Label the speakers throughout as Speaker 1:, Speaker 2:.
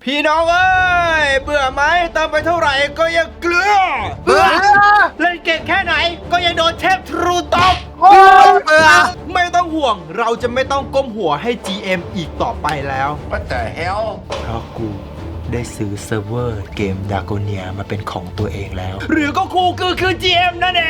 Speaker 1: พี่น้องเอ้ยเบื่อไหมเติมไปเท่าไหร่ก็ยังเกลือ
Speaker 2: เบื่อ
Speaker 1: เล่นเก่งแค่ไหนก็ยังโดนเทพทรูตบ
Speaker 2: เบื่อ
Speaker 1: ไม่ต้องห่วงเราจะไม่ต้องก้มหัวให้ GM อีกต่อไปแล้ว
Speaker 2: What the hell
Speaker 1: เพราะกูได้ซื้อเซิร์ฟเวอร์เกมดาโกเนียมาเป็นของตัวเองแล้ว หรือก็คูคือ GM นั่นเอง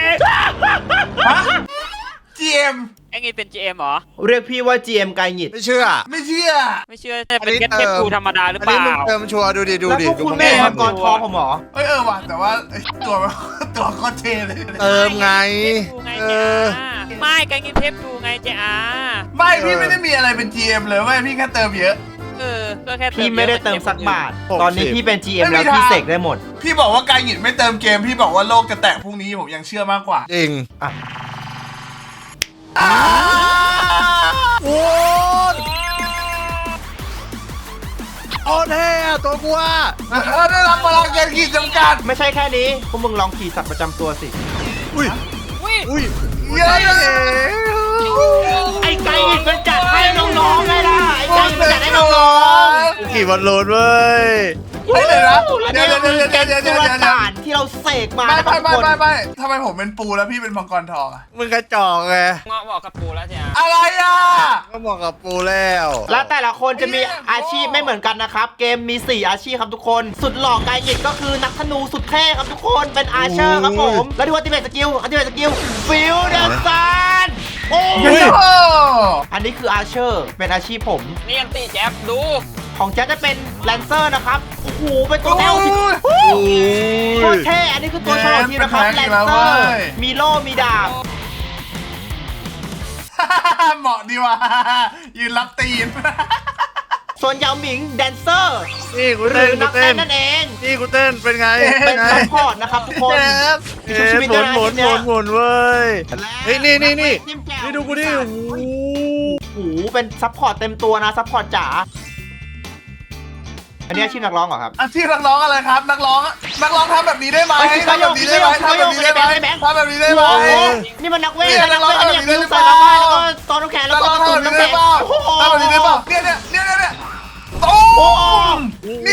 Speaker 2: GM
Speaker 3: ไอ้งี้เป็น GM เหรอ
Speaker 1: เรียกพี่ว่า GM ไกหงิด
Speaker 4: ไม่เชื่อ
Speaker 2: ไม่เชื่อ
Speaker 3: ไม่เชื่อแต่เป็นแค่เทปกูธรรมดาหรือ
Speaker 4: อัน
Speaker 3: เป
Speaker 4: นี้
Speaker 3: ล่า
Speaker 4: มึงเติมชัวร์ดูดิดู
Speaker 1: แล้ว
Speaker 4: ดิ
Speaker 1: พวกคุณแม่มังกรทองผมเหรอ
Speaker 2: เอ้ยว่ะแต่ว่าตัวตัวโคตรเท่เลย
Speaker 4: เติมไง
Speaker 3: เทปกูไง
Speaker 4: เอ
Speaker 3: จ้า
Speaker 4: อ
Speaker 3: ไม่ไอ้งี้เทปกูไงจ้า
Speaker 2: ไม่พี่ไม่ได้มีอะไรเป็น GM เลยเว้ยพี่แค่เติมเยอะ
Speaker 3: ก็แค่
Speaker 1: พี่ไม่ได้เติมสักบาท
Speaker 4: ผม
Speaker 1: ตอนนี้
Speaker 4: สิ
Speaker 1: พี่เป็น GM
Speaker 2: ไม่มี
Speaker 1: แล้ว
Speaker 2: ทาง
Speaker 1: พี่เสกได้หมด
Speaker 2: พี่บอกว่าการหยิดไม่เติมเกมพี่บอกว่าโลกจะแตกพรุ่งนี้ผมยังเชื่อมากกว่า
Speaker 4: จริง
Speaker 1: อ่ะ
Speaker 4: โอ้ยโอ้เท่อะตัวกูอะ
Speaker 2: ได้รับพลังเกมขีดจำกัด
Speaker 1: ไม่ใช่แค่นี้พวกมึงลองขี่สัตว์ประจำตัวสิ
Speaker 4: อุ้ย
Speaker 3: อุ้ย
Speaker 4: อุ้ย
Speaker 2: เยอะเลย
Speaker 1: ไอ้ไก่มันจัดให้น้องๆไงล่ะไอ้ไก่มันจัดให้น้อง
Speaker 4: ขี่บอลลูนเว้ย
Speaker 2: เฮ้ยเลยนะ
Speaker 1: ๆและ
Speaker 2: เดี๋
Speaker 1: นี่
Speaker 2: ยว
Speaker 1: ก็
Speaker 2: เดี๋ยว
Speaker 1: คือ
Speaker 2: เดี๋ยว
Speaker 1: แก
Speaker 2: เดี๋ยว
Speaker 1: ง
Speaker 2: เดี๋ยว
Speaker 1: สุ
Speaker 2: เดี๋ยว
Speaker 1: ลต่านที่เราเสกมา
Speaker 2: ไม่
Speaker 1: นะครับทุกคน
Speaker 2: ไม่ทำไมผมเป็นปูแล้วพี่เป็นมังกรทองอะ
Speaker 4: มึงกระจอกไง
Speaker 3: เงาะบอกกับปูแล้วจ้า
Speaker 2: อะไรอ่ะ
Speaker 4: ก็บอกกับปูแล้ว
Speaker 1: และแต่ละคนจะมีอาชีพไม่เหมือนกันนะครับ เกมมี 4 อาชีพครับทุกคน สุดหล่อไกหงิดก็คือนักธนูสุดเท่ครับทุกคนเป็นอาเชอร์ครับผม แล้วดูอัลติเมทสกิลฟิลเดอร์ซันโอ้
Speaker 2: โอ้
Speaker 1: ย
Speaker 2: โห
Speaker 1: อันนี้คืออาเชอร์เป็นอาชีพผม
Speaker 3: นี่ยังตีแจ๊บดู
Speaker 1: ของแจ๊คจะเป็นแลนเซอร์นะครับโอ้โหเป็นตัวแนวที่
Speaker 4: โอ้ย
Speaker 1: โคตรเท่อันนี้คือตัวฉลองทีมนะครับแลนเซอร์มีโล่มีดาบ
Speaker 2: เหมาะดีว่ะยืนรับตีน
Speaker 1: ส่วนยาวหมิงแดนเซอร์
Speaker 4: นี่กู
Speaker 1: ห
Speaker 4: เต้
Speaker 1: รื
Speaker 4: น
Speaker 1: อนั
Speaker 4: กู
Speaker 1: ก
Speaker 4: เต้
Speaker 1: เต้
Speaker 4: น
Speaker 1: นนั่นเอง
Speaker 4: นี่กูเต้นเป็นไง
Speaker 1: เป็นซัพพอร์ตนะครับทุกคน มีชุบชีวิต
Speaker 4: ห
Speaker 1: ด้
Speaker 4: มุ
Speaker 1: วย
Speaker 4: น
Speaker 1: นะ
Speaker 4: หมุนหมุนหมุนเว้ย เฮ้ยนี่
Speaker 1: จิ้มแจ่ว
Speaker 4: นี่ดูกูดิโอ้โห
Speaker 1: โอ้โหเป็นซัพพอร์ตเต็มตัวนะซัพพอร์ตจ๋าอันนี้อาชีพนักร้องเหรอครับ
Speaker 2: อาชีพนักร้องอะไรครับ นักร้องทำแบบนี้ได้ไหม
Speaker 1: เฮ้ย
Speaker 2: ทำแบบนี้ได้ไหมทำแบบนี้ได้ไหม
Speaker 1: แบงค์
Speaker 2: ทำแบบนี้ได้ไหม
Speaker 1: โอ้โหนี่มันนักเวท
Speaker 2: เนี่ย
Speaker 1: นักเวท
Speaker 2: นักร้อง
Speaker 1: เนี่ย
Speaker 2: ทำแบบนี้
Speaker 1: คือ
Speaker 2: ได้
Speaker 1: ใส่
Speaker 2: เป
Speaker 1: ละ
Speaker 2: ล่า
Speaker 1: ไม้แล้วก็ตอนน้ำแข็งแล้ว
Speaker 2: นัก
Speaker 1: ก็
Speaker 2: ร้อง
Speaker 1: ตุ่ม
Speaker 2: ทำแบบ
Speaker 1: น้ำ
Speaker 2: นี้
Speaker 1: แข็
Speaker 2: ได้
Speaker 1: ง
Speaker 2: เปล่า
Speaker 1: โอ้โห
Speaker 2: ทำแบบนี้ได้เปล่าเนี่ยตูมเนี่ย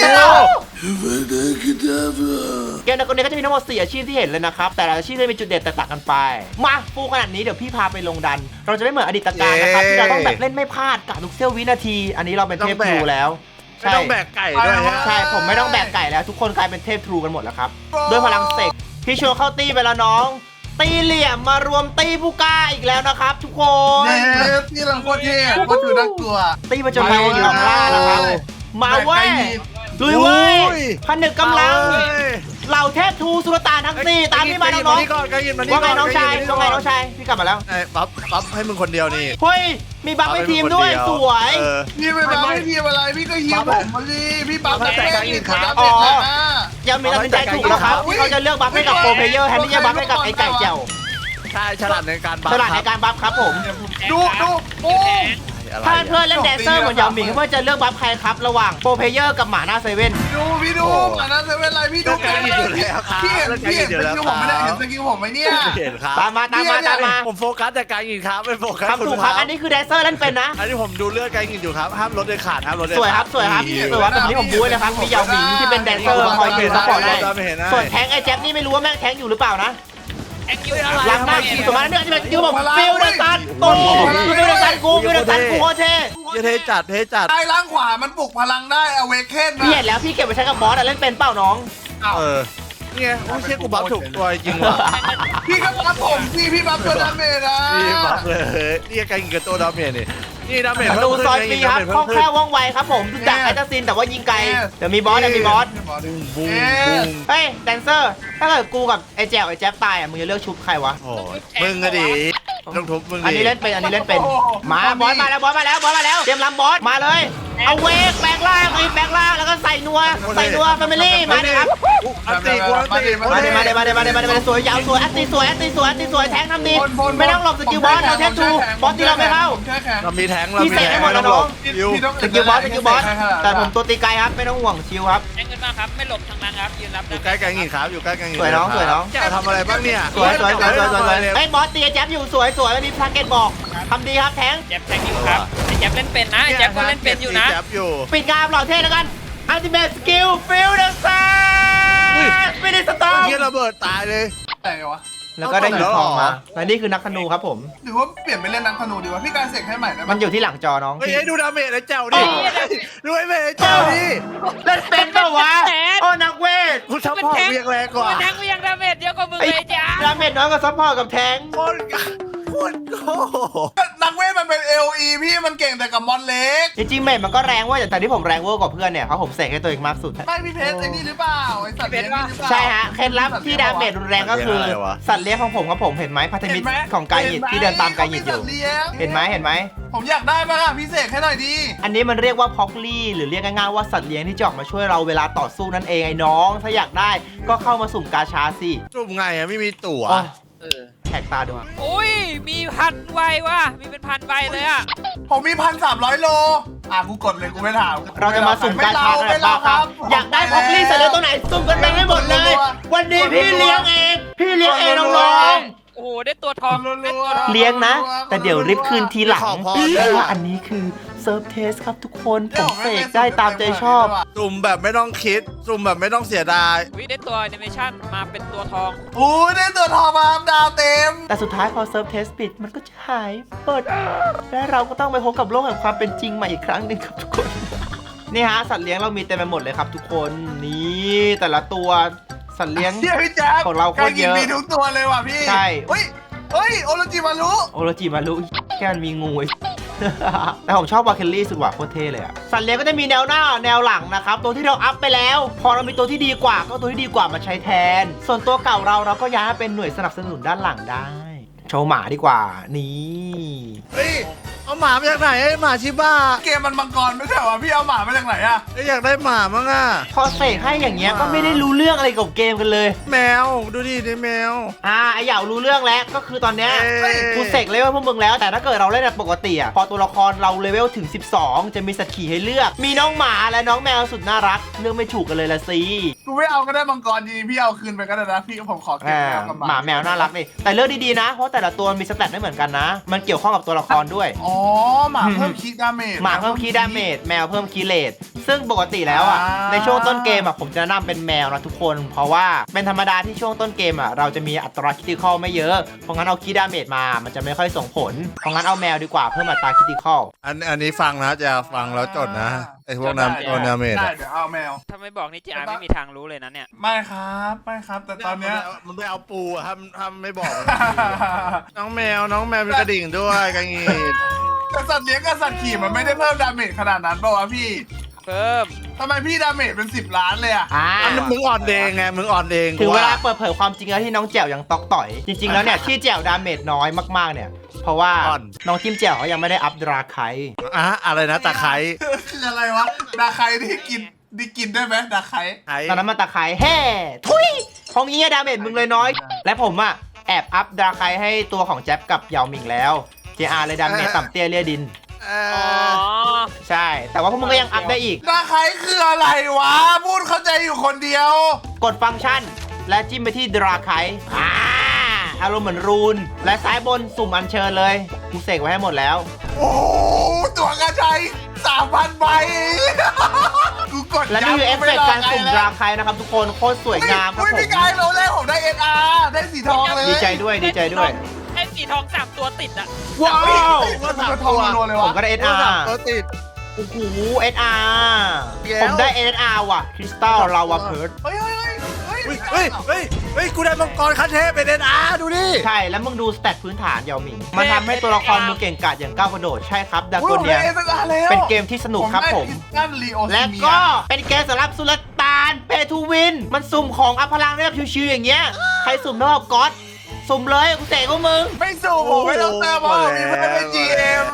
Speaker 1: เกมนักเรียนก็จะมีทั้งหมด4อาชีพที่เห็นเลยนะครับแต่ละอาชีพจะมีจุดเด่นแตกต่างกันไปมาฟูขนาดนี้เดี๋ยวพี่พาไปลงดัน เราจะไม่เหมือนอดีตการนะครับที่เราต้องแบบเล่นไม่พลาดกับทุกเสี้ยววินาที อันนี้เราเป็นเทพทรูแล้ว
Speaker 4: ไม่ต้องแบกไก่ด้วยฮะ
Speaker 1: ใช่ผมไม่ต้องแบกไก่แล้วทุกคนกลายเป็นเทพทรูกันหมดแล้วครับด้วยพลังเสกพี่ชวนเข้าตีไปแล้วน้อง ตีเหลี่ยมมารวมตีผู้กล้าอีกแล้วนะครับ ทุกคน
Speaker 2: เนี่ยที่เราโคตรเท่โคตรดูน่ากลัว
Speaker 1: ตีมาจนไปอยู่ข้างล่างนะครับมาเว้ยลุยเว้ยผนึกกำลังเหล่าเทพทูสุลต่านทั้งสี่ตามพี่มาน้อง
Speaker 4: นี่ก่อนไก่ยินมา
Speaker 1: ๆ
Speaker 4: นี่
Speaker 1: ว่าไง
Speaker 4: ก่อน
Speaker 1: น้องชายว่าไงน้องชายพี่กลับมาแล้ว
Speaker 4: ไอ้ปั๊บให้มึงคนเดียวนี่
Speaker 1: เฮ้ยมีบัฟในทีมด้วยสวย
Speaker 4: เออ
Speaker 2: พี่ไปบัฟให้ทีมอะไรพี่ก็ฮิวผมมาดิพี่บัฟ
Speaker 4: บัฟให้
Speaker 2: แม่
Speaker 4: แต่
Speaker 2: ง
Speaker 4: ง
Speaker 2: อีก
Speaker 4: ครั
Speaker 2: คน
Speaker 4: บ
Speaker 2: ละเด็ดเลยนะ
Speaker 1: ยังมีตัดสินใจถูกนะครับที่เขาจะเลือกบัฟให้กับโปรเพลเยอร์แทนที่จะบัฟให้กับไอ้ไก่เจียว
Speaker 4: ใช่ฉลาดในการบัฟ
Speaker 1: ฉลาดในการบัฟครับผม
Speaker 2: ดูโอ้
Speaker 1: ถ้าเพื่อนเล่นแดนเซอร์เหมือนยาวหมิงเพื่อนจะเลือกบัฟใครครับระหว่างโปรเพลเยอร์กับหมาหน้าเซเว่น
Speaker 2: ดูพี่ดูอันนั้นจะเป็นไรพี่ดูพี่เห็นสกิลผมไม่ได้เห็นสกิลผมไหมเนี่ย
Speaker 4: เห็นครับ
Speaker 1: ตามมา
Speaker 4: ผมโฟกัสแต่การยิงครับไม่โฟกัส
Speaker 1: ครับถูกครับอันนี้คือแดนเซอร์เล่นเป็นนะ
Speaker 4: อันนี้ผมดูเลือดการยิงอยู่ครับห้ามลดเลยขาดห้ามลดเลย
Speaker 1: สวยครับแบบนี้ผมบู๊เลยครับมียาวหมิงที่เป็นแดนเซอร์คอยยืนซัพพอร์ตได้ส่วนแทงไอ้แจ็คนี่ไม่รู้ว่าแม่งแทงอยู่หรือเปล่านะ
Speaker 3: แองยู
Speaker 1: หลังหน้าขี่สมาร์ทเนี่ยจะเป็นยูบอกฟิลเดอร์ซันโอ้ฟิลเดอร์ซันกูโคตรเท่
Speaker 4: เทจัด
Speaker 2: ใต้ล่างขวามันปลุกพลังได้อเวกเคน
Speaker 1: พี่เห็นแล้วพี่เก็บไปใช้กับบอสเล่นเป็นเปล่าน้อง
Speaker 4: เออเนี่ยโอ้เชี่ยกูบัฟถูกตัวจริงว่ะ
Speaker 2: พี่ก็บัฟผมพี่บัฟตัวดาเมจนะ
Speaker 4: นี่บัฟเลยนี่การยิงกับตัวดาเมจนี่ดาเมจ
Speaker 1: ดูซอยปีครับคล่องแคล่วว่องไวครับผมจากแอตซินแต่ว่ายิงไกลเดี๋ยวมีบอส
Speaker 4: บูมบูม
Speaker 1: เฮ้ยแดนเซอร์ถ้าเกิดกูกับไอ้แจ๊ไอ้แจ๊บตายอ่ะมึงจะเลือกชุบใครวะ
Speaker 4: โอ้ยมึงอะดิต้องทุบมึงดิ
Speaker 1: อันนี้เล่นเป็นมาบอสมาแล้วเตรียมลำบอสมาเลยเอาเวกแปลงร่างแล้วก็ใส่นัวแฟมิลี่มาเลยครับ
Speaker 4: อันตีกูอันตี
Speaker 1: มาเลยสวยยาวสวยแอตตีสวยแทงทำดีไม่ต้องหลบสกิลบอสเราแทงทูบอสตีเราไม่เข้า
Speaker 4: เรามีแทง
Speaker 1: พี่เสกให้หมดแล้วน้อง สกิลบอสแต่ผมตัวตีไกลครับไม่ต้องห่วงชิวครับ
Speaker 3: แองเงินมากครับไม่หลบทางนั้นครับยืนรับ
Speaker 4: อยู่ใกล้กันหินครับอยู่ใกล้กันหิน
Speaker 1: สวยน้อง
Speaker 4: จะทำอะไรบ้างเนี่ย
Speaker 1: สวยไอ้บอสตีแจ๊บอยู่สวยไม่มีทาร์เก็ตบอกทำดีครับแทง
Speaker 3: แจ๊บแทงอยู่ครับไอ้แจ๊บเล่นเป็นนะไอ้แจ๊บก็เล่นเป็นอยู่นะ
Speaker 4: จับอยู่
Speaker 1: ปิดงานหล่อเท่แล้วกันอัลติเมทสกิลฟิลเดอร์ซ่าไม่ได้สตอร์
Speaker 4: เฮียระเบิดตายเลย
Speaker 2: แต่ไงวะ
Speaker 1: แล้วก็ได้หินทองมาและนี่คือนักธนูครับผม
Speaker 2: หรือว่าเปลี่ยนไปเล่นนักธนูดีวะพี่การเสกให้ใหม่ได้ไหม
Speaker 1: มันอยู่ที่หลังจอน้อง
Speaker 4: เฮ้ยให้ดูดาเมจไอ้เจ้าดิดูไอ้เมจไอ้เจ้าดิ
Speaker 1: เล่นเป็นเปล่าวะโอ้นักเวท
Speaker 4: คุณซัพพอร์ตเรียงแรงกว่า
Speaker 3: มันแทงไปยังดาเมจเยอะกว่ามึง
Speaker 1: ไอ้
Speaker 3: เลยจ้า
Speaker 1: ดาเมจน้อยกว่าซัพพอร์ตกับแทงค์
Speaker 4: โคตรโง่
Speaker 2: นักเวทมันเป็น LE พี่มันเก่งแต่กับมอนเล็ก
Speaker 1: จริงๆเมจมันก็แรงเว่าแต่ที่ผมแรงเวอร์กว่าเพื่อนเนี่ยเพราะผมเสกให้ตัวเองมากสุด
Speaker 2: ไม่พี่เพชรไอ้นี่หรือเปล่าไอ้สัตว์เลี้ยงนี่หรือเปล่า
Speaker 1: ใช่ฮะเคล็ดลับที่ดาเมจรุนแรงก็คือสัตว์เลี้ยงของผมครับผมเห็นไหมพันธมิตรของกายหยิดที่เดินตามกายหยิดอยู่ เห็นไหมเห็นไหม
Speaker 2: ผมอยากได้บ้างอะพี่เสกให้หน่อยดี
Speaker 1: อันนี้มันเรียกว่าพ็อกลี่หรือเรียกง่ายๆว่าสัตว์เลี้ยงที่จะออกมาช่วยเราเวลาต่อสู้นั่นเองไอ้น้อง ถ้าอยากได้ก็เข้ามาสุ่มกาชาสิ
Speaker 4: จุ่มไงอะไม่มีตั๋ว
Speaker 1: อ๋อแขกตาดู
Speaker 3: อุ้ยมีพันใบว่ะมีเป็นพันใบเลยอ่ะ
Speaker 2: ผมมี1,300 โลกูกดเลยกูไม่ถาม
Speaker 1: เราจะมาสุ่มกาชากัน
Speaker 2: ไม่
Speaker 1: บ้า
Speaker 2: เครับ
Speaker 1: อยากได้พ็อกลี่สัตว์เลี้ยงตัวไหนสุ่มกันไปให้หมดเลย วันนี้พี่เลี้ยงเองพี่เลี้ยงเองน้อง
Speaker 3: โอ้โหได้ตัวทองได้ตัวทอง
Speaker 1: ๆเลี้ยงนะ แต่เดี๋ยวริบคืนทีหลังเพราะว่าอันนี้คือเซิร์ฟเทสครับทุกคนผมเสกได้ตามใจชอบ
Speaker 4: จุ่มแบบไม่ต้องคิดจุ่มแบบไม่ต้องเสียดาย
Speaker 3: วิได้ตัวแอนิเมชั่นมาเป็นตัวทอง
Speaker 2: ได้ตัวทองมาดาวเต็ม
Speaker 1: แต่สุดท้ายพอเซิร์ฟเทสปิดมันก็จะหายเปิด และเราก็ต้องไปพบกับโลกแห่งความเป็นจริงใหม่อีกครั้งหนึ่งครับทุกคน นี่ฮะสัตว์เลี้ยงเรามีเต็มไปหมดเลยครับทุกคนนี่แต่ละตัวสัตว์เลี้ยง
Speaker 2: เฮียพี่แจ๊ค
Speaker 1: ของเราโคตรเยอะ
Speaker 2: มีทุกตัวเลยว่ะพี่
Speaker 1: ใช่
Speaker 2: เฮ้ยโอโรจิมารุ
Speaker 1: โอโรจิมารุแค่มันมีงู แต่ผมชอบวาเคลลี่สุดว่ะโคตรเท่เลยอะสัตว์เลี้ยงก็จะมีแนวหน้าแนวหลังนะครับตัวที่เราอัพไปแล้ว พอเรามีตัวที่ดีกว่าก็เอาตัวที่ดีกว่ามาใช้แทน ส่วนตัวเก่าเราก็ย้ายมาเป็นหน่วยสนับสนุนด้านหลังได้ โชว์หมาดีกว่านี่
Speaker 4: เฮ้ยเอาหมามาจากไหนไอ้หมาชิบ้า
Speaker 2: เกมมันมังกรไม่ใช่เหรอพี่เอาหมามาจากไหนอะ
Speaker 4: อยากได้หมามั้งอ่ะ
Speaker 1: พอเสกให้อย่างเงี้ยก็ไม่ได้รู้เรื่องอะไรกับเกมกันเลย
Speaker 4: แมวดูดินี่แมว
Speaker 1: ไอเหยารู้เรื่องแล้วก็คือตอนเนี้ย
Speaker 4: เอ้ย
Speaker 1: กูเสกเลเวลพวกมึงแล้วแต่ถ้าเกิดเราเล่นแบบปกติอ่ะพอตัวละครเราเลเวลถึง 12 จะมีสัตว์ขี่ให้เลือก มีน้องหมาและน้องแมวสุดน่ารักเลือกไม่ถูกกันเลยละสิ
Speaker 2: กูไม่เอาก็ได้มังกรดีพี่เอาคืนไปก็ได้นะพี่ผมขอเก็บแมวกับ
Speaker 1: หมาแมวน่ารักนี่แต่เลือกดีๆนะเพราะแต่ละตัวมีสแตทไม่เหมือนกันนะ มันเกี่ยวข้องกับตัวละครด้วย
Speaker 2: อ๋อหมาเพิ่มคิดดาเมจ
Speaker 1: หมาเพิ่มคีย์ดาเมจแมวเพิ่มคีย์เลทซึ่งปกติแล้วอ่ะในช่วงต้นเกมอ่ะผมจะแนะนำเป็นแมวนะทุกคน เพราะว่าเป็นธรรมดาที่ช่วงต้นเกมอ่ะเราจะมีอัตราคริติคอลไม่เยอะเพราะงั้นเอาคีย์ดาเมจมามันจะไม่ค่อยส่งผลเพราะงั้นเอาแมวดีกว่าเพิ่มอัตราคริติคอล
Speaker 4: อันนี้ฟังนะจะฟังแล้วจดนะไอ้พวกนั้นตัวนาเมด
Speaker 2: ได้
Speaker 4: อะ
Speaker 2: เดี๋ยวเอาแมว
Speaker 3: ถ้าไม่บอกนี่จีอาไม่มีทางรู้เลยนะเนี่ย
Speaker 2: ไม่ครับไม่ครับ แต่ตอนเนี้ย
Speaker 4: มันไปเอาปูอะทำไม่บอกมันน้องแมวมีกระดิ่งด้วยกังงีด
Speaker 2: แต่สัตว์เลี้ยงกับสัตว์ขี่มันไม่ได้เพิ่มดาเมจขนาดนั้นป่าวะพี่
Speaker 3: เพิ่ม
Speaker 2: ทำไมพี่ดาเมจเป็น10 ล้านเลยอะ
Speaker 4: อันนั้นมึงอ่อนเองไงมึงอ่อนเอง
Speaker 1: ถึงเวลาเปิดเผยความจริงแล้วที่น้องแจ๋วยังตอกต่อย จริงๆแล้วเนี่ยที่แจ๋วดาเมจน้อยมากๆเนี่ยเพราะว่าน้องจิ้มแจ๋วเขายังไม่ได้อัพดราไค
Speaker 4: อะไรนะตะไคร้
Speaker 2: คืออะไรวะดาไคที่กินได้ไหมดาไค
Speaker 1: ตอนนั้นมันตะไคร้แห่ทุยของนี้ดาเมจมึงเลยน้อย และผมอ่ะแอบอัพดราไคให้ตัวของแจ๊บกับเหยาหมิงแล้ว JR เลยดาเมจต่ำเตี้ยเลี่ยดิน
Speaker 3: อ๋อ
Speaker 1: ใช่ แต่ว่าพวกมึงก็ยังอัพได้อีก
Speaker 2: ดาไคคืออะไรวะ พูดเข้าใจอยู่คนเดียว
Speaker 1: กดฟังก์ชัน และจิ้มไปที่ดราไคอารมณ์เหมือนรูน และซ้ายบนสุ่มอัญเชิญเลยกูเสกไว้ให้หมดแล้ว
Speaker 2: โอ้ตัวกระจาย 3,000 ใบกูกด
Speaker 1: และนี่คือเอฟเฟกต์การสุ่มดราไคนะครับทุกคนโคตรสวยงามครับ
Speaker 2: อุ้ย
Speaker 1: ผม
Speaker 2: พี่กายเราแรกผมได้ SR ได้สีทองเลย
Speaker 1: ดีใจด้วยดีใจด้วย
Speaker 3: ให้สีทอง3ตัวติดอะ
Speaker 1: ว้าว
Speaker 2: ก็ทองรัวๆเลย
Speaker 1: ผ
Speaker 2: วะ
Speaker 1: มก็ได้ SR
Speaker 4: ตัวติด
Speaker 1: โอ้โห SR
Speaker 4: แก้ว
Speaker 1: ผมได้ SR ว่ะคริสตัลลาวาเพิร์ด
Speaker 2: เฮ้ย
Speaker 4: เฮ้ยกูได้มังกรคันเทพเป็นNRดูดิ
Speaker 1: ใช่ แล้วมึงดูสแตทพื้นฐานเหยาหมิง มันทำให้ตัวละครมึงเก่งกาจอย่างก้าวกระโดด ใช่ครับดา
Speaker 2: อุ้ย
Speaker 1: โก
Speaker 2: ผม
Speaker 1: เนี
Speaker 2: ได้
Speaker 1: ย
Speaker 2: SR แล้ว
Speaker 1: เป็นเกมที่สนุกครับผม
Speaker 2: นั่นลีโอ
Speaker 1: และก็เป็นเกมสำหรับสุลต่านเปทูวิน มันสุ่มของอัพพลังได้แบบชิวๆอย่างเงี้ย ใครสุ่มเท่ากับก๊อตสุ่มเลยกูเสกกับมึง
Speaker 2: ไม่สู้ผมไม่ต้องเติมเพราะผมมีเพื่อนเป็น GM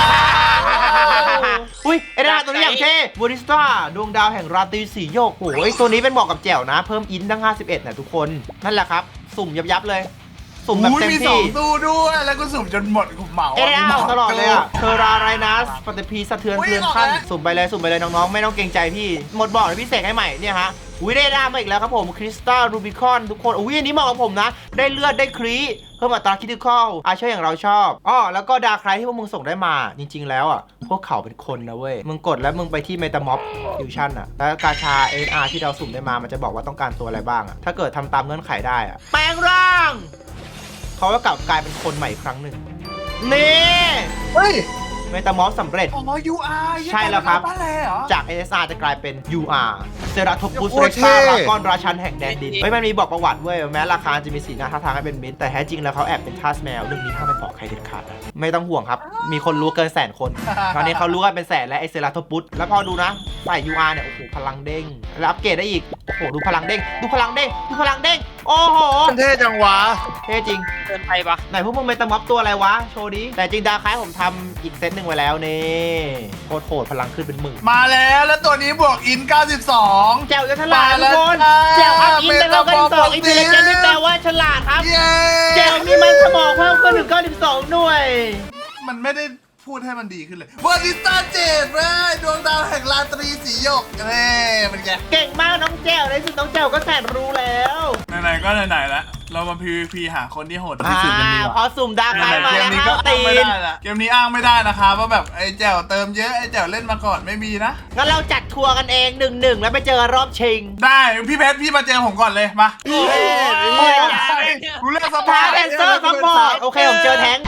Speaker 1: อุ้ยไอ้ดาตัวนี้อย่างเท่บูริสต้าดวงดาวแห่งราตรีสีโยกโอ้ยตัวนี้เป็นเหมาะกับแจ๋วนะ เพิ่มอินทั้ง51นะทุกคนนั่นแหละครับ สุ่มยับๆเลย สุ่มแบบ
Speaker 2: อุ้ย
Speaker 1: เต็ม
Speaker 2: มี2
Speaker 1: ที่
Speaker 2: ตู้ด้วยแล้วก็สุ่มจนหมดกูเหมา
Speaker 1: เอเดอาตลอดเลยอ่ะเทอราไรนัสปฏิพีสะเทือน
Speaker 2: อุ๊ย
Speaker 1: เทือนขั้น
Speaker 2: ออกแล้ว
Speaker 1: สุ่มไปเลยน้องๆ ไม่ต้องเกรงใจพี่ หมดบอกเลยพี่เสกให้ใหม่เนี่ยฮะอุ้ยได้ดามาอีกแล้วครับผมคริสตัลรูบิคอนทุกคนอุ้ยอันนี้เหมาะกับผมนะได้เลือดได้ครีเพิ่มอัตราคิติคอลอาเชอร์อย่างเราชอบอ้อแล้วก็ดาร์คไรที่พวกมึงส่งได้มาจริงๆแล้วอ่ะพวกเขาเป็นคนนะเว้ยมึงกดแล้วมึงไปที่เมตาม็อบฟิวชั่นอ่ะแล้วกาชา NR ที่เราสุ่มได้มามันจะบอกว่าต้องการตัวอะไรบ้างอ่ะถ้าเกิดทำตามเงื่อนไขได้อ่ะแปลงร่างเขาก็กลับกลายเป็นคนใหม่อีกครั้งหนึ่งนี่
Speaker 2: เฮ้ย
Speaker 1: เมตาม็อบสำเร็จ
Speaker 2: อ๋อ UR
Speaker 1: ใช่แล้วครับ
Speaker 2: บ้านแลเหรอ
Speaker 1: จาก SSR จะกลายเป็น UR เซราทปุส
Speaker 4: โค
Speaker 1: เร
Speaker 4: ตรเท่
Speaker 1: กาลากอนราชันแห่งแดนดินเฮ้ยมันมีบอกประวัติเว้ยแม้ราคาจะมีสีหน้าท่าทางให้เป็นมิตรแต่แท้จริงแล้วเขาแอบเป็นทาสแมวเรื่องนี้ห้ามไปบอกใครเด็ดขาดนะไม่ต้องห่วงครับ มีคนรู้เกิน100,000 คน ตอนนี้เขารู้กันเป็นแสนและไอเซราทปุสแล้วพอดูนะใส่ UR เนี่ยโอ้โหพลังเด้งแล้วอัปเกรดได้อีกโอ้โหดูพลังเด้งดูพลังเด้งดูพลังเด้งโอ้โห
Speaker 4: มันเท่จังวะ
Speaker 1: เท่จริง
Speaker 3: เกินไปปะ
Speaker 1: ไหนพวกมึงเมตาม็อบตัวอะไรวะโชว์ดิแต่จริงดาคล้ายผมทำอีกเซตหนึ่งไว้แล้วนี่โคตรโหดพลังขึ้นเป็นหมื่น
Speaker 2: มาแล้วตัวนี้บวกอิน 92
Speaker 1: แจวจะฉลาดทุกคนแจวอัพอินเป็นเรากัน2อินเทลเจนที่แปลว่าฉลาดครับ
Speaker 2: เย้
Speaker 1: แจวมีมันสมองเพิ่มขึ้นถึง92หน่วย
Speaker 2: มันไม่ได้พูดให้มันดีขึ้นเลยเวอร์ดิสตาเจดเว้ยดวงดาวแห่งราตรีสีหยกเน่เป็นไง
Speaker 1: เก่งมากน้องแจวในสุดน้องแจวก็แสนรู้แล้ว
Speaker 2: ไหนๆก็ไหนๆแล้วเรามา PVP หาคนที่โหดที่สุดกันดีก
Speaker 1: พอ
Speaker 2: ว่า
Speaker 1: สุ่มดาคล้ายมา
Speaker 2: เก
Speaker 1: แล้
Speaker 2: ม
Speaker 1: ว
Speaker 2: นี้
Speaker 1: ค
Speaker 2: ก็
Speaker 1: รับ
Speaker 2: อ้า
Speaker 1: ตี
Speaker 2: งไม่
Speaker 1: น
Speaker 2: ได้ละเกมนี้อ้างไม่ได้นะคะว่าแบบไอ้แจ๋วเติมเยอะไอ้แจ๋วเล่นมาก่อนไม่มีนะ
Speaker 1: งั้นเราจัดทัวร์กันเอง 1-1 แล้วไปเจอรอบชิง
Speaker 2: ได้พี่เพชรพี่มาเจอผมก่อนเลยมา
Speaker 3: โอ้ย
Speaker 2: กูเลือกส
Speaker 1: ท้า
Speaker 2: ภา
Speaker 1: แดนเซอร์ซัพพอร์ตโอเคผมเจอแท้ง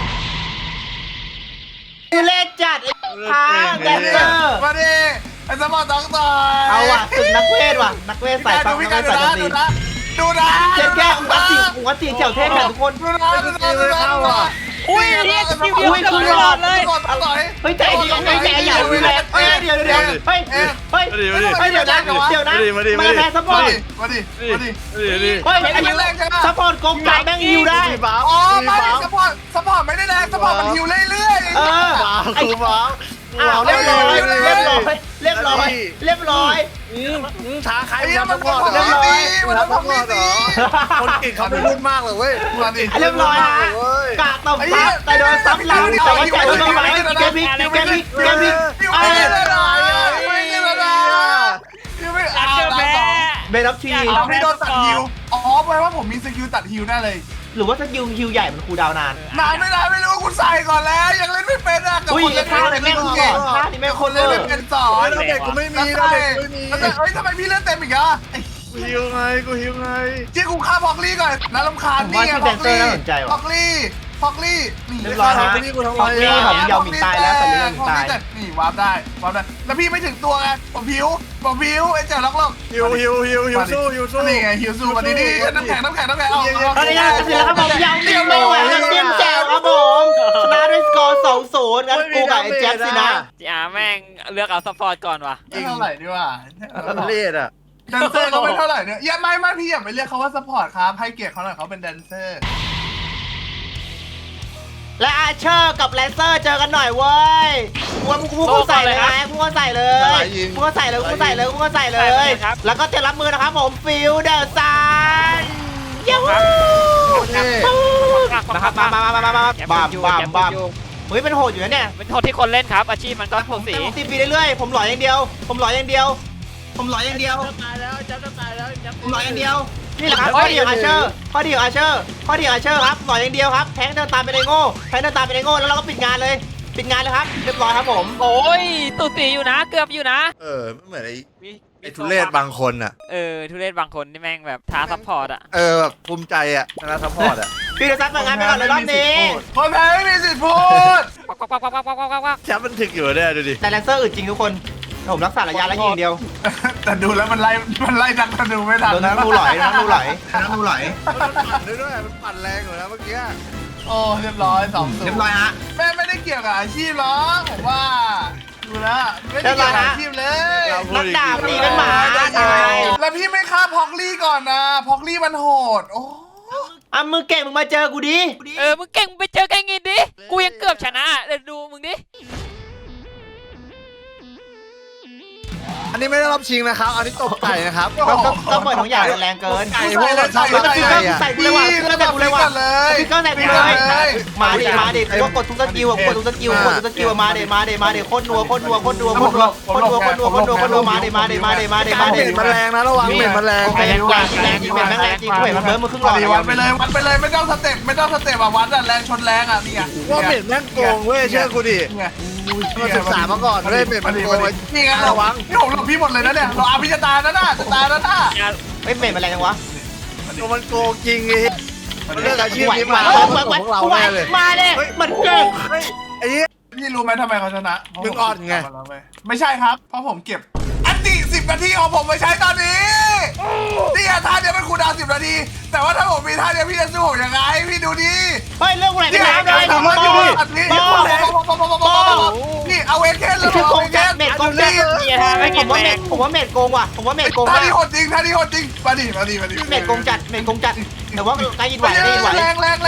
Speaker 1: คือเล่นจัดไอ้ท้าแดนเซอร์
Speaker 2: มาดิไอ้สมอต้องต่อย
Speaker 1: เอาว่ะศึกนักเวทว่ะนักเวทใส่ฟังนักเวทใส่ดนตรี
Speaker 2: ดูนะ
Speaker 1: เจ๊แก้หัวตีเจียวเท่กันทุกคน
Speaker 2: ดูนะ
Speaker 3: อุ้ยเรียกคิวเดียวกันตลอดเลย
Speaker 1: เฮ้ยใจดีเฮ้ยใจอย่าดูแลเฮ้ยเดี๋ยวเฮ้ยเดี๋ยวนะมาแพ้ซัพพอร์ต
Speaker 2: มาดิ
Speaker 1: เฮ้ยอันนี้ซัพพอร์ตกองกลางแม่งฮิวได้
Speaker 2: อ๋อไม่สปอร์ตไม่ได้แรงสปอร์ตมันฮิวเรื่อยๆ
Speaker 1: เออ
Speaker 4: ไอ้บ้า
Speaker 1: อ้าวเรียบร้อย
Speaker 4: ท้าใคร
Speaker 2: ไอ้
Speaker 4: มา
Speaker 2: มัน
Speaker 4: ทำก่อน
Speaker 2: มัน
Speaker 4: เหรอ
Speaker 2: ดีมันทำดี
Speaker 4: คนเก่งเขาไม่พูดมากหรอกเว้ย
Speaker 2: มาดิ
Speaker 1: เรียบร้อยฮะกะตบซับแต่โดนซับหลังแต่ว่าใจโดนกระไรแกพิก
Speaker 2: ฮิวไม่ได้ไม่เอา
Speaker 1: เบนอฟที
Speaker 2: เอาพี่โดนตัดฮิวอ๋อแปลว่าผมมีสกิลตัดฮิวได้เลย
Speaker 1: หรือว่าสกิลฮิวใหญ่มันคูลดาวน์นาน
Speaker 2: นานไม่รู้กูใส่ก่อนแล้วยังเล่นไม่เป็นอ่ะกับ
Speaker 1: อุ้ย
Speaker 2: คนเล่น
Speaker 1: ท่านี้แม่งก่อนท่านี้แม่ง
Speaker 2: ค
Speaker 1: คน น
Speaker 2: เล่
Speaker 1: เล่
Speaker 2: น
Speaker 1: น
Speaker 2: ไม่เป็นสอ
Speaker 4: เฮ้ย
Speaker 2: น
Speaker 4: เราเด็กกูไม่มีเราเด็กกูไม่มี
Speaker 2: เฮ้ยทำไมพี่เล่นเต็มอีกอ่ะ
Speaker 4: กูหิวไงกูหิวไง
Speaker 2: ที่กูฆ่าพอกลี่ก่อนน่ารำคาญนี่ไงพอกลี่นี่
Speaker 1: เรียบร้อยฮะพอกลี่ของยาวหมิงตายแล้วแต่เรื่องหมิงตาย
Speaker 2: นี่วาร์ปได้แล้วพี่ไม่ถึงตัวไงผมผิวไอ้เจ้าล็อก
Speaker 4: หิวสู้
Speaker 2: นี่ไงฮิวซูมาดีน้ำแข็งเอา
Speaker 1: ตอนนี้ก็เสร็จแล้วครับผมยาวหมิงไม่ไหวแล้วเตรียมแจวครับผมชนะด้วยสกอร์ 2-0งั้นกูกับไอ้แจ๊บสินะ
Speaker 3: จีอาแม่งเลือกเอาซัพพอร์ตก่อนว่ะ
Speaker 2: เท่าไหร่ดีว่า
Speaker 4: เลียดอ่ะ
Speaker 2: แดนเซอร์เขาไม่เท่าไหร่เนี่ยอย่าไม่พี่อย่าไปเรียกเขาว่าซัพพอร์ตครับให้เกียรติเขาหน่อยเขาเป็นแดนเซอร์
Speaker 1: และอาเชอร์กับแลนเซอร์เจอกันหน่อยเว้ยพูดใส่เลยนะพูดใส่เลยแล้วก็เตรียมรับมือนะครับผมฟิลเดอร์ซันยูนะครับมาบ้ามเฮ้ยเป็นโหดอยู่นะเนี่ย
Speaker 3: เป็นโทษที่คนเล่นครับ อาชีพมันก็โทษสี
Speaker 1: ผมตีปีเรื่อยๆผมหล่ออย่างเดียวผมหล่ออย่างเดียว
Speaker 3: ตายแล้วจะตายแล้ว
Speaker 1: ผมหล่ออย่างเดียวนี่แหละครับข้อดีของอาเชอร์ครับหล่ออย่างเดียวครับแทงเดินตามไปในโง่แล้วเราก็ปิดงานเลยครับเรียบร้อยครับผม
Speaker 3: โอ้ยตุตีอยู่นะ เกือบอยู่นะ
Speaker 4: ไม่เหมือนไอ้ทุเรศบางคนอ่ะ
Speaker 3: ทุเรศบางคนที่แม่งแบบท้าซัพพอร์ตอ่ะ
Speaker 4: แบบภูมิใจอ่ะชนะซัพพอร์ตอ่ะ
Speaker 1: พี่จะซัดเปิดงานไปก่อนเลยรอบนี้
Speaker 2: คนแพ้ไม่มีสิทธิ์พูด
Speaker 3: ปัก
Speaker 4: แชมป์มันถึกอยู่เนี่ยดูดิ
Speaker 1: แต่แลนเซอร์อึดจริงทุกคนผมรักษาระยะแล้วยิงเดียว
Speaker 2: แต่ดูแล้วมันไล่นักธนูไม่ทัน
Speaker 1: โดนนักดูหลอย
Speaker 4: มันปั่นด้วยมันปั่นแรงอยู่นะเมื่อกี้
Speaker 2: โอ้เรียบร้อย2-0
Speaker 1: เรียบร้อยฮะ
Speaker 2: แม่ไม่ได้เกี่ยวกับอาชีพหรอกผมว่าดูแล้วไม่ได้เกี่ยวกับอาชีพเลย
Speaker 1: นักดาบตีเป็นหมาตาย
Speaker 2: แล้วพี่ไม่ฆ่าพอกลี่ก่อนนะพอกลี่มันโหดโอ้
Speaker 1: อ่ะมึงเก่งมึงมาเจอกูดิ
Speaker 3: มึงเก่งไปเจอแกงินดิ กูยังเกือบชนะเดี๋ยวดูมึงดิ
Speaker 4: อันนี้ไม่ได้รอบชิงนะครับ อันนี้ตบไก่นะครับ
Speaker 1: ก็เปิดของอย่างแรงเกิน
Speaker 4: ไก่พวกเราชอบ
Speaker 1: เฮ้ยมันฟิกเกอร์
Speaker 4: ไก่อะ
Speaker 1: ใส่กูเลยว่ะฟิกเกอร์ใส่กูเลยว่ะฟิกเกอร์ใส่กูเลยมาดิกูกดทุกสกิลกดทุกสกิลมาดิโคตรนัวมาดิ
Speaker 4: เม็ดมันแรงนะระวังเม็ดมันแรง
Speaker 1: แรงจริงแรงจริงกูเห็นมันเบิ้มมาครึ่งหลอด
Speaker 2: วัดไปเลยไม่ต้องสเต็ปอ่ะวัดอ่ะแรงชนแรงอ่ะนี่ไง
Speaker 4: ว่าเม็ดแม่งโกงเว้ยเชื่อกูดิ
Speaker 2: นี่ไง
Speaker 4: มาศึกษามาก่อนเว้ยเม็ดมันโกง
Speaker 2: นี่ไงระวังพี่ผมหลบพี่หมดเลยนะเนี่ยเราอาพิจตานะน่ะจะตายแล้วน่ะ
Speaker 1: เฮ้ยเมย์มันแรงจังวะ
Speaker 4: มันโกงจริงไอ้เรื่องอาชีพนี้มา
Speaker 1: ของเราแน่เลยมาดิมันเก่ง
Speaker 4: ไอ้เหี้ย
Speaker 2: พี่รู้ไหมทำไมเขาชนะ
Speaker 4: มึงอ่อนไง
Speaker 2: ไม่ใช่ครับเพราะผมเก็บอันติ10 นาทีของผมไปใช้ตอนนี้นี่ท่าเดียวเป็นคูลดาวน์10 นาทีแต่ว่าถ้าผมมีท่าเดียวพี่จะสู้ผมยังไงพี่ดูดิ
Speaker 1: เฮ้ยเรื่องอะไร
Speaker 2: นี่
Speaker 1: ไม่ได้เลย
Speaker 2: ทำมาอยู่นี่เอาเวทเคนเลย
Speaker 1: คือโก
Speaker 2: เอา
Speaker 1: ง
Speaker 2: เวทเคน
Speaker 1: เมดโกงจัดผมว่าเมดโกงว่ะผมว่าเมดโกง
Speaker 2: ท่า
Speaker 1: ว่ะ
Speaker 2: นี้โหดจริงมาดิ
Speaker 1: เมดโกงจัดแต่ว่าใกล้ยินไหวมาดิมาดิ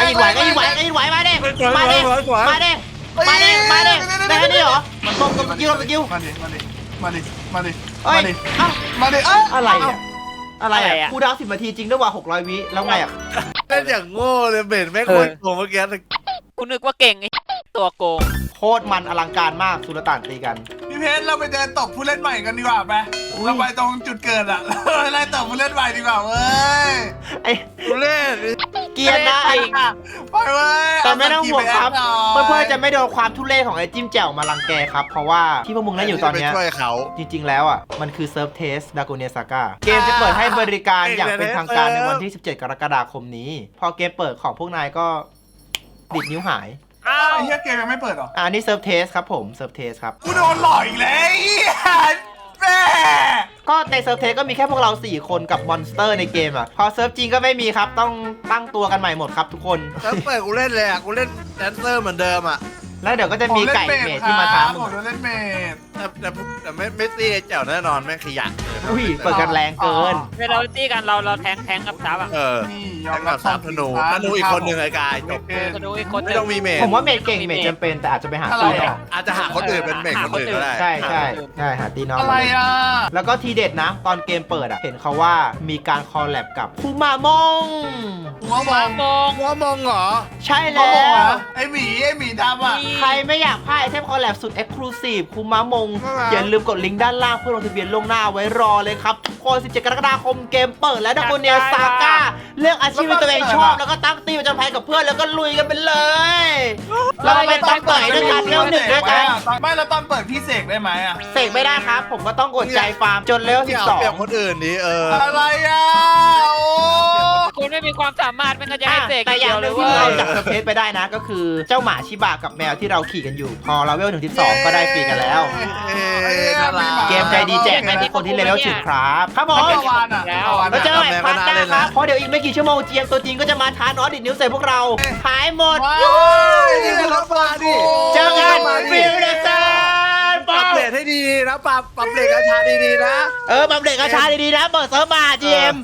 Speaker 1: ได้นี่เหรอมันตรงกับสกิล
Speaker 2: มาดิ
Speaker 1: เฮ้ยเอ้า
Speaker 2: มาดิ
Speaker 1: อะไรอ่ะคูดาว10 นาทีจริงด้วยว่ะ600 วิแล้วไงอ่ะ
Speaker 4: เล่นอย่างโง่เลยเม็ดแม่งโคตรโกงเมื่อกี้
Speaker 3: คุณนึกว่าเก่งไอ้ตัวโกง
Speaker 1: โคตรมันอลังการมากสุลต่านตีกัน
Speaker 2: พี่เพชรเราไปเดินตบผู้เล่นใหม่กันดีกว่าไปเราไปตรงจุดเกิดอ่ะเราไล่ตบผู้เล่นใหม่ดีกว่าเว้ย
Speaker 1: ไอ้
Speaker 4: กูเล่น
Speaker 1: เกียร์ได้
Speaker 2: ไปเว้ย
Speaker 1: แต่ไม่ต้องห่วงครับเพื่อนๆจะไม่โดนความทุเรศของไอ้จิ้มแจ่วมารังแกครับเพราะว่าที่พวกมึงเล่นอยู่ตอนเนี้ย
Speaker 4: ช่วยเขา
Speaker 1: จริงๆ แล้วอ่ะ มันคือเซิร์ฟเทสดา g กเนียซาก้าเกมจะเปิดให้บริการอย่างเป็นทางการในวันที่ 17 กรกฎาคมนี้ พอเกมเปิดของพวกนายก็ดิดนิ้วหาย
Speaker 3: อ้าว
Speaker 2: ไอ้เหี้ยเกมยังไม่เปิดหรอ
Speaker 1: อันนี้เซิร์ฟเทสครับผมเซิร์ฟเทสครับ
Speaker 2: กูโดนหลอกอีกแล้วแม่
Speaker 1: ก็ในเซิร์ฟเทสก็มีแค่พวกเรา 4 คนกับมอนสเตอร์ในเกมอ่ะ พอเซิร์ฟจริงก็ไม่มีครับ ต้องตั้งตัวกันใหม่หมดครับทุกคน
Speaker 4: แล้วเปิดกูเล่นเลยอ่ะกูเล่นแดนเซอร์เหมือนเดิมอ่ะ
Speaker 1: แล้วเดี๋ยวก็จะมีไก่เมดที่มาท้ามึ
Speaker 2: ผ
Speaker 1: ง
Speaker 2: มโดนเล่นเมด
Speaker 4: แต่ไม่ตีไอ้แจ๋วแน่นอนแม่งขยะ
Speaker 1: อุ้ยเปิดกันแรงเกิน
Speaker 3: เวลาเราตีกันเราแทงกับซับอ่ะ
Speaker 4: เออ
Speaker 2: นี่ย
Speaker 4: แล้
Speaker 2: อ
Speaker 4: ว
Speaker 2: ม
Speaker 4: ก็
Speaker 2: รับ
Speaker 4: สามธนูอีกคนหนึ่งไอ้กายจบ
Speaker 3: ธนูอีกคนห
Speaker 4: ไม่
Speaker 3: นึ่ง
Speaker 4: ต้องมีเมท
Speaker 1: ผมว่าเมดเก่งเมดจำเป็นแต่อาจจะไปหาตีน้อง
Speaker 4: อาจจะหาคนอื่นเป็นเมทคนอื่นก็ได้
Speaker 1: ใช่หาตีน้อง
Speaker 2: อะไรอ่ะ
Speaker 1: แล้วก็ทีเด็ดนะ ตอนเกมเปิดอ่ะ เห็นเขาว่ามีการคอลแลบกับคูมามง
Speaker 2: หัวมอง
Speaker 3: โกง
Speaker 4: ว่ามองเหรอ
Speaker 1: ใช่
Speaker 2: หัว
Speaker 1: แล้
Speaker 2: มอง
Speaker 1: ว
Speaker 2: อ่ะไอหมีดำอ่ะ
Speaker 1: ใครไม่อยากพลาดไอเทมคอลแลบสุด Exclusive คูมามง อย่าลืมกดลิงก์ด้านล่างเพื่อลงทะเบียนล่วงหน้าไว้รอเลยครับทุกคน 17 กรกฎาคมเกมเปิดแล้วนะคนเนียซาก้าเลือกอาชีพที่ตัวเองชอบ แล้วก็ตั้งตีมประจำภัยกับเพื่อนแล้วก็ลุยกันไปเลย เราไปตั้งต่อยด้วยกันเร็วหนึ่งด้วยกัน
Speaker 2: ไม่แล้วตอนเปิดพี่เสกได้ไหมอ่ะ
Speaker 1: เสกไม่ได้ครับ ผมก็ต้องอดใจฟาร์มจนเลเวล
Speaker 4: อย่าเปรียบคนอื่นดิ
Speaker 2: อะไรอ่ะโอ้
Speaker 3: คุณไม่มีความสามารถไม่งั้นจะให้เสก
Speaker 1: แต่อ
Speaker 3: เดี
Speaker 1: ย่า
Speaker 3: ยว
Speaker 1: งห
Speaker 3: เล
Speaker 1: นึ
Speaker 3: ย
Speaker 1: ง
Speaker 3: เว้
Speaker 1: ที่เรา
Speaker 3: ย
Speaker 1: จากเซอร์เพสไปได้นะ ก็คือเจ้าหมาชิบะกับแมวที่เราขี่กันอยู่ พอเราเวล1-12 ก็ได้ฟรีกันแล้ว
Speaker 4: น่ารัก
Speaker 1: เกมใจดีแจกให้ทุกคนที่เลเวล10ครับครับผม
Speaker 2: เมื่อวานอ่ะ
Speaker 1: แล้วเจอกันใหม่พาร์ทหน้าครับเพราะเดี๋ยวอีกไม่กี่ชั่วโมงเจียงตัวจริงก็จะมาท้านอสดิดนิ้วใส่พวกเราหายหมด
Speaker 2: ว้า
Speaker 4: นี่คือรับมาดิ
Speaker 1: เจอกันฟิลเดซ่า
Speaker 4: ปรับเปลี่ยนให้ดีนะปรับเปลี่ยนกระชาดีๆนะ
Speaker 1: บัมเด็กกระชาดีๆนะเปิดเซิร์ฟมาเจี